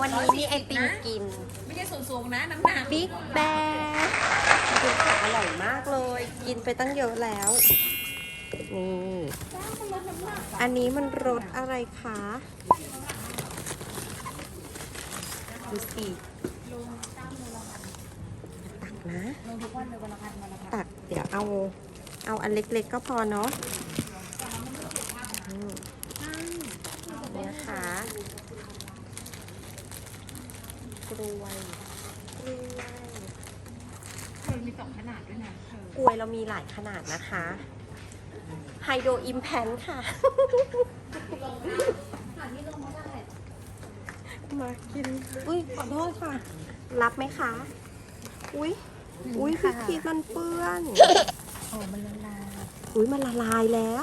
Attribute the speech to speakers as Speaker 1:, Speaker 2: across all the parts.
Speaker 1: วันนี้มีไอติมกิน
Speaker 2: ไม่ใช่สูงๆนะน้ำหนัก
Speaker 1: บิ๊กแบร์กินของอร่อยมากเลย กินไปตั้งเยอะแล้ว นี่ อันนี้มันรสอะไรคะดูสิตักนะ
Speaker 2: ลงทุกวันเลยวันละพัน
Speaker 1: ตักเดี๋ยวเอาอันเล็กๆก็พอเนาะเนี่ยค่ะกล้วย
Speaker 2: เธอมี2ขนาดด้วยนะเธอก
Speaker 1: ล้วยเรามีหลายขนาดนะคะไฮโดรอิมแพนค่ะ มากิน อุ้ยขอโทษค่ะ รับไหมคะ อุ้ยพี่พีชมันเปื้อน
Speaker 2: โอ้มันละลาย
Speaker 1: อุ้ยมันละลายแล้ว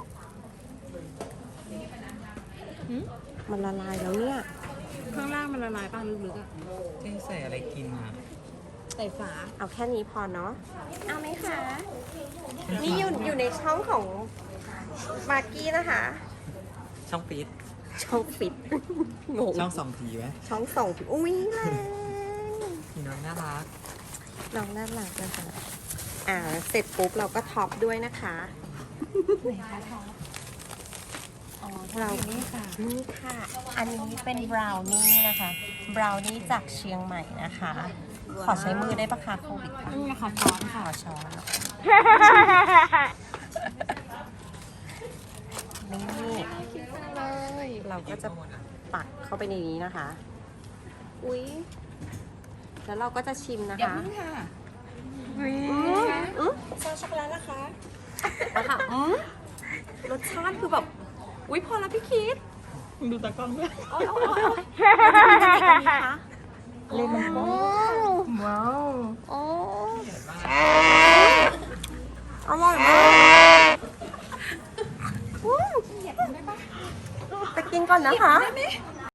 Speaker 1: มันละลายแล้วเนี่ย
Speaker 2: ข้างล่างมันละลายป่ะลึกๆอ่ะ
Speaker 3: ที่ใส่อะไรกินอ่ะ
Speaker 2: ใส่ฝา
Speaker 1: เอาแค่นี้พอเนาะ เอาไหมคะ นี่อยู่ในช่องของมากกี้นะคะ
Speaker 3: ช่องปิด
Speaker 1: ช่องฟิต งง
Speaker 3: ช่อง2 ทีไหม
Speaker 1: ช่องส่งอุ้ยแรง
Speaker 3: พี่น้องน่ารัก
Speaker 1: น้องน่ารักนะคะ เสร็จปุ๊บเราก็ท็อปด้วยนะคะ
Speaker 2: ไหนคะทองอ๋อ
Speaker 1: เรา
Speaker 2: นี่ค่ะ
Speaker 1: นี่ค่ะ อันนี้เป็นบราวนี่นะคะ บราวนี่จากเชียงใหม่นะคะ ขอใช้มือได้ปะคะโควิดค่ะ
Speaker 2: นี่นะคะช้อน
Speaker 1: ข
Speaker 2: ค่ะ
Speaker 1: อช้อนนะคะนี่เราก็จะปักเข้าไปในนี้นะคะ อุ๊ย แล้วเราก็จะชิมนะ
Speaker 2: เดี๋ยว
Speaker 1: คะ
Speaker 2: พึ่งค่ะ
Speaker 1: ซอสช็อกโกแลตนะคะเอาค่ะรสชาติคือแบบ อุ๊ย พอแล้วพี่คิด
Speaker 2: ดูตากล้องด้วย
Speaker 1: โอ้ยเราจะมีอะไรกันดีคะ
Speaker 2: เลมอนว้าว
Speaker 1: โอ้อร่อยมากจะกินก่อนนะคะ